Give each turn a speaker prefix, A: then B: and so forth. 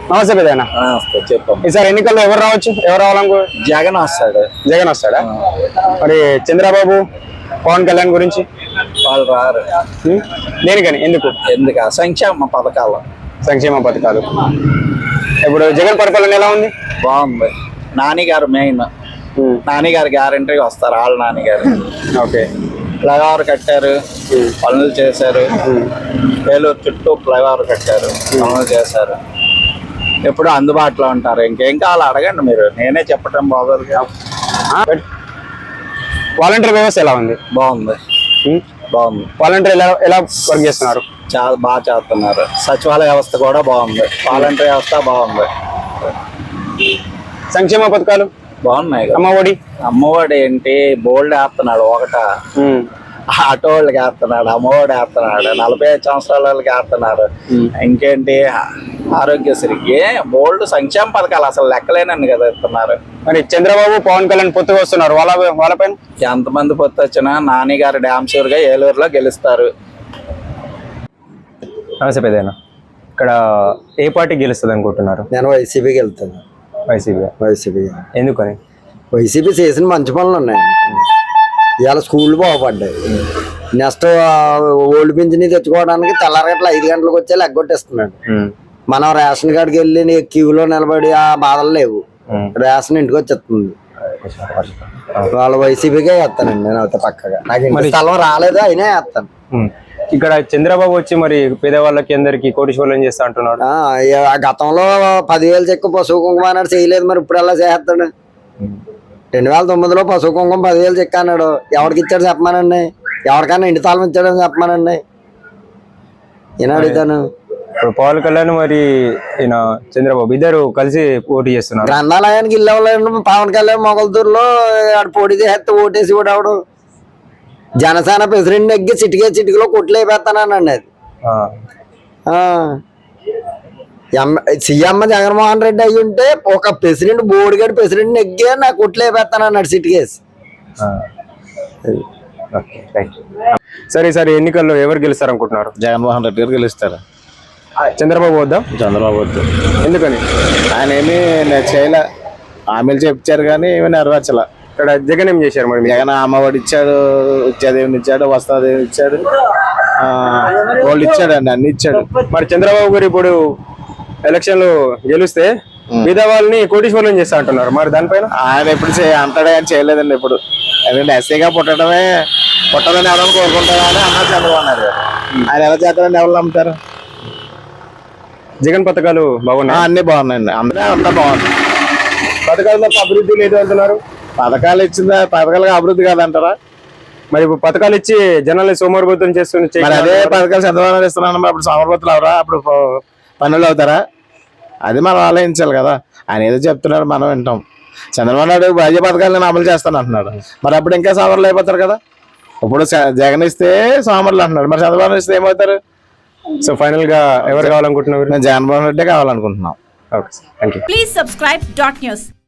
A: నమస్తే పెద్దనా.
B: చెప్పండి.
A: ఈసారి ఎన్నికల్లో ఎవరు రావచ్చు, ఎవరు రావాలనుకో?
B: జగన్ వస్తాడు.
A: జగన్ వస్తాడా? మరి చంద్రబాబు, పవన్ కళ్యాణ్ గురించి
B: వాళ్ళు రారు.
A: దేనికని, ఎందుకు?
B: సంక్షేమ పథకాలు.
A: సంక్షేమ పథకాలు. ఇప్పుడు జగన్ పరిపాలన ఎలా ఉంది?
B: బాగుంది. నానిగారు మెయిన్. నానిగారు గ్యారంటీ వస్తారు. వాళ్ళ నానిగారు.
A: ఓకే.
B: ఫ్లైఓవర్ కట్టారు, పనులు చేశారు. ఏలూరు చుట్టూ ఫ్లైఓవర్ కట్టారు, పనులు చేశారు. ఎప్పుడు అందుబాటులో ఉంటారు. ఇంకేం కావాలి అడగండి మీరు, నేనే చెప్పటం బాగోదు.
A: వాలంటీర్ వ్యవస్థ ఎలా ఉంది?
B: బాగుంది. బాగుంది.
A: వాలంటీర్ ఎలా వర్క్ చేస్తున్నారు?
B: చాలా బాగా చేస్తున్నారు. సచివాలయ వ్యవస్థ కూడా బాగుంది. వాలంటీర్ వ్యవస్థ బాగుంది.
A: సంక్షేమ పథకాలు
B: బాగున్నాయి.
A: అమ్మఒడి
B: ఏంటి బోల్డ్ వేస్తున్నాడు. ఆటో వాళ్ళకి వేస్తున్నాడు, అమ్మఒడి వేస్తున్నాడు, 45 సంవత్సరాల వాళ్ళకి వేస్తున్నాడు. ఇంకేంటి ఆరోగ్యశ్రీకి బోల్డ్ సంక్షేమ పథకాలు అసలు లెక్కలేనని కదా ఇస్తున్నారు.
A: మరి చంద్రబాబు, పవన్ కళ్యాణ్ పొత్తుగా వస్తున్నారు. వాళ్ళపైన
B: ఎంతమంది పొత్తు వచ్చినా నాని గారు డ్యామ్ షూర్ గా ఏలూరులో గెలుస్తారు.
A: నమస్తే పెద్దనా. ఇక్కడ ఏ పార్టీ గెలుస్తుంది అనుకుంటున్నారు?
C: నేను వైసీపీకి వెళ్తాను. వైసీపీ
A: ఎందుకని?
C: వైసీపీ చేసిన మంచి పనులు ఉన్నాయి. ఇవాళ స్కూళ్ళు బాగుపడ్డాయి. నెక్స్ట్ ఓల్డ్ పింఛని తెచ్చుకోవడానికి తెల్లారగట్ల 5 గంటలకు వచ్చే ఎగ్గొట్టేస్తున్నాడు. మనం రేషన్ కార్డుకి వెళ్ళి క్యూలో నిలబడి ఆ బాధలు లేవు. రేషన్ ఇంటికి వచ్చేస్తుంది. వాళ్ళ వైసీపీకే వేస్తానండి నేను అయితే పక్కగా. నాకు ఇంటి స్థలం రాలేదు, అయినా వేస్తాను.
A: ఇక్కడ చంద్రబాబు వచ్చి మరి పేదవాళ్ళకి అందరికి కోటీశ్వరులు చేస్తా అంటున్నాడు.
C: గతంలో 10,000 చెక్కు పశువు కుంకుమ అన్నాడు, చేయలేదు. మరి ఇప్పుడు ఎలా చేస్తాడు? 2009లో పశువు కుంకుమ 10,000 చెక్క అన్నాడు. ఎవరికి ఇచ్చాడు చెప్పమానండి? ఎవరికైనా ఇంటి తాళం ఇచ్చాడని చెప్పమానండి? ఈయన అడుగుతాను.
A: ఇప్పుడు పవన్ కళ్యాణ్ మరి ఈయన చంద్రబాబు ఇద్దరు కలిసి పోటీ చేస్తున్నారు.
C: గ్రంథాలయానికి ఇల్లు పవన్ కళ్యాణ్ మొగల్తూరులో ఆడు పోటీ చేస్తే ఓటేసి కూడా ఆవిడ జనసేన ప్రెసిడెంట్ ఎగ్గి చిటికలో కొట్లు అయిపోతానండి. అది సీఎం జగన్మోహన్ రెడ్డి అయ్యి ఉంటే ఒక ప్రెసిడెంట్ బోర్డుగాడు ప్రెసిడెంట్ ఎగ్గే నాకు కొట్లు అయిపోతానన్నాడు చిటికేసి.
A: సరే సరే, ఎన్నికల్లో ఎవరు గెలుస్తారు అనుకుంటున్నారు?
B: జగన్మోహన్ రెడ్డి గారు గెలుస్తారు.
A: చంద్రబాబు వద్దా?
B: చంద్రబాబు వద్దు.
A: ఎందుకని?
B: ఆయన ఏమీ చేయలే. హామీలు చెప్తారు కానీ ఏమీ నెరవేర్చలే.
A: ఇక్కడ జగన్ ఏం చేశారు? మరి
B: జగన్ అమ్మఒడి ఇచ్చాడు, విద్యాదేవిని ఇచ్చాడు, వస్త్రదేవిని ఇచ్చాడు, వాళ్ళు ఇచ్చాడండి, అన్ని ఇచ్చాడు.
A: మరి చంద్రబాబు గారు ఇప్పుడు ఎలక్షన్లు గెలిస్తే మిగతా వాళ్ళని కోటీశ్వరులను చేస్తా అంటున్నారు. మరి దానిపైన
B: ఆయన ఎప్పుడు అంటాడు కానీ చేయలేదండి ఇప్పుడు. ఎందుకంటే ఎస్ఐగా పుట్టాలని ఎవరైనా కోరుకుంటారా అని అన్నారు చంద్రబాబు నాయుడు గారు. ఆయన ఎలా చేస్తారని ఎవరు నమ్ముతారు?
A: జగన్ పథకాలు బాగున్నాయి,
B: అన్ని బాగున్నాయండి. అందరూ అంతా బాగుంది.
A: పథకాలతో అభివృద్ధి లేదు అంటున్నారు.
B: పథకాలు ఇచ్చిందా? పథకాలుగా అభివృద్ధి కాదంటారా?
A: మరి పథకాలు ఇచ్చి జనాల్ని సోమరిపోతం చేస్తుంది.
B: మరి అదే పథకాలు చంద్రబాబు ఇస్తున్నాను, అప్పుడు సోమరిపోతులు అవరా? అప్పుడు పనులు అవుతారా? అది మనం ఆలోచించాలి కదా. ఆయన ఏదో చెప్తున్నారు, మనం వింటాం. చంద్రబాబు నాయుడు భాజపా పథకాలను అమలు చేస్తాను అంటున్నాడు. మరి అప్పుడు ఇంకా సోమరులు అయిపోతారు కదా. ఇప్పుడు జగన్ ఇస్తే సోమరులు అంటున్నాడు, మరి చంద్రబాబు ఇస్తే ఏమవుతారు?
A: సో ఫైనల్ గా ఎవరు కావాలనుకుంటున్నారు?
B: జగన్మోహన్ రెడ్డి కావాలనుకుంటున్నాం.
A: Okay, thank you.
D: Please subscribe .news.